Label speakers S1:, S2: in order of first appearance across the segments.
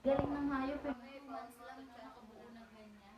S1: Galing ng hayop eh. 2 months lang siya nakabuo na ganyan.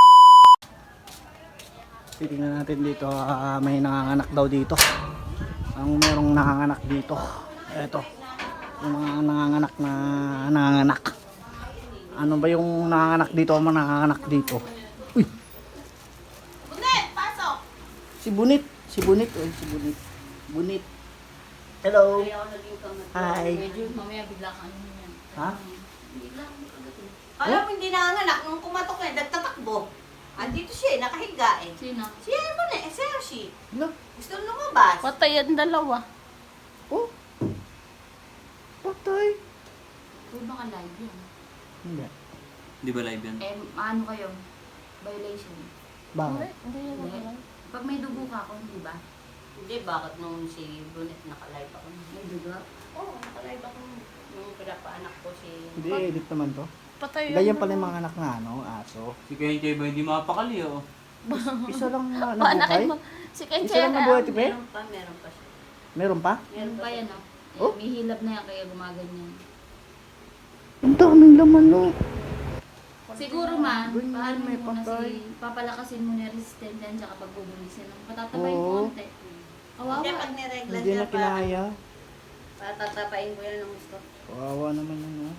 S2: Titingnan natin dito, may nanganganak daw dito. Ang merong nanganganak dito. Eto. Yung mga nanganganak na nanganganak. Ano ba yung nanganganak dito? Ang mga nanganganak dito. Uy!
S1: Bunit! Pasok!
S2: Si Bunit. Si Bunit. Uy, si Bunit. Bunit. Hello. Hi.
S1: Medyo mamaya bigla ka ano yan.
S2: Ha?
S1: Bigla kang kagatin.
S3: Alam mo, hindi nanganak. Nung kumatok na, nagtatakbo. Andito siya, nakahiga eh.
S1: Sino?
S3: Siya mo na, eh, Sergi.
S2: Hello.
S3: Gusto lumabas.
S4: Patay ang dalawa.
S2: Oh. Patay.
S1: Uy, baka live yan.
S2: Hindi.
S5: Di ba live yan?
S1: Ano kayo? Violation.
S2: Bakit?
S4: Hindi yan
S1: Hindi.
S4: naman.
S1: Pag may dugo ka ako, hindi ba?
S3: Hindi, bakit nung si Brunet nakalive ako?
S1: May dugo?
S3: Oo, nakalive ako nung pinapaanak ko si...
S2: Hindi, edit naman to.
S4: Patay
S2: Ganyan pala yung mga anak na ano, aso.
S5: Si Kenche ba hindi mapakali oh.
S2: Isa lang na
S4: Paanakin
S2: nabuhay.
S4: mo. Si Kenche.
S2: Isa lang nabuhay, tipe?
S3: Meron pa siya.
S2: Meron pa?
S1: Meron pa yan, no?
S2: Oh?
S1: May hilab na yan, kaya gumaganyan.
S2: Ang daming laman, no.
S1: Siguro man,
S2: Ganyan,
S1: paano mo
S2: may
S1: muna
S2: patay.
S1: papalakasin mo na resistant yan, tsaka pag bubulisin. Patatapayin
S2: Oo.
S1: konti. Kawawa.
S3: Hindi, pag niregla
S2: Hindi
S3: siya
S2: na kinaya.
S3: patatapain ko yan ng gusto.
S2: Kawawa naman yun, no.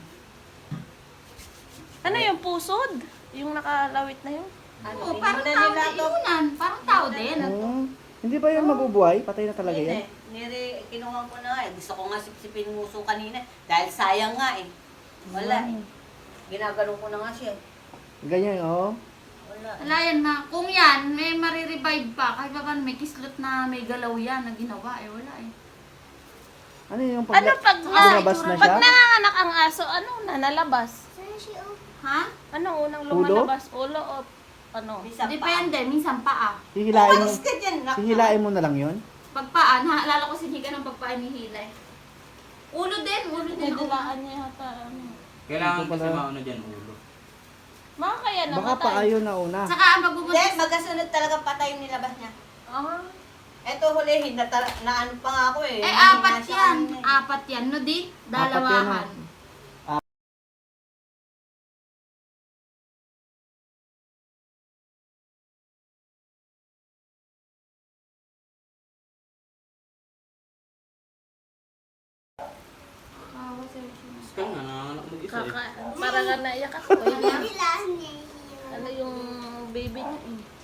S4: Ano yung pusod? Yung nakalawit na yun?
S1: Oo, parang tao din. Inunan, parang tao din.
S2: Oh, hindi ba yun mabubuhay? Patay na talaga yan?
S3: Kinuha ko na nga eh. Gusto ko nga sipsipin muso kanina. Dahil sayang nga eh. Wala eh. Ginagano ko na nga siya.
S2: Ganyan, oh.
S3: Wala.
S1: Wala yan na. Kung yan, may marirevive pa. Kahit pa paano, may kislot na may galaw yan na ginawa. Eh, wala eh.
S2: Ano yung
S4: Ano pag
S2: lumabas na siya?
S4: Pag nanganganak ang aso, ano na nalabas?
S1: Ha?
S4: Ano unang
S2: Ulo?
S4: lumalabas? Ulo o ano?
S3: Minsan pa.
S1: Depende. Minsan paa.
S2: Hihilain mo,
S3: Umalis ka dyan.
S2: hihilain mo na lang yun?
S1: Pag paa, naalala ko si Higa ng pagpaan ni Hilay. Ulo din. Ulo din.
S4: Nadilaan niya yata. Ano.
S5: Kailangan
S2: Ito
S5: kasi
S2: pala.
S5: mauna dyan ulo.
S4: Baka kaya
S2: Baka
S4: namatay.
S2: pa ayaw na una.
S1: Saka ang
S3: Hindi,
S1: magbubuntis.
S3: magkasunod talaga patay yung nilabas niya.
S4: Ah.
S3: Eto hulihin, na ano pa nga ako eh.
S1: Eh,
S3: Hindi
S1: apat
S3: nasa
S1: yan.
S3: ano eh.
S1: Apat yan. No, di?
S2: Apat yan,
S1: Dalawahan. Kawa sa'yo siya.
S5: Tapos ka nga, nanganganak mag-isa eh.
S4: Parang naiyak ako. Ano yung baby niya?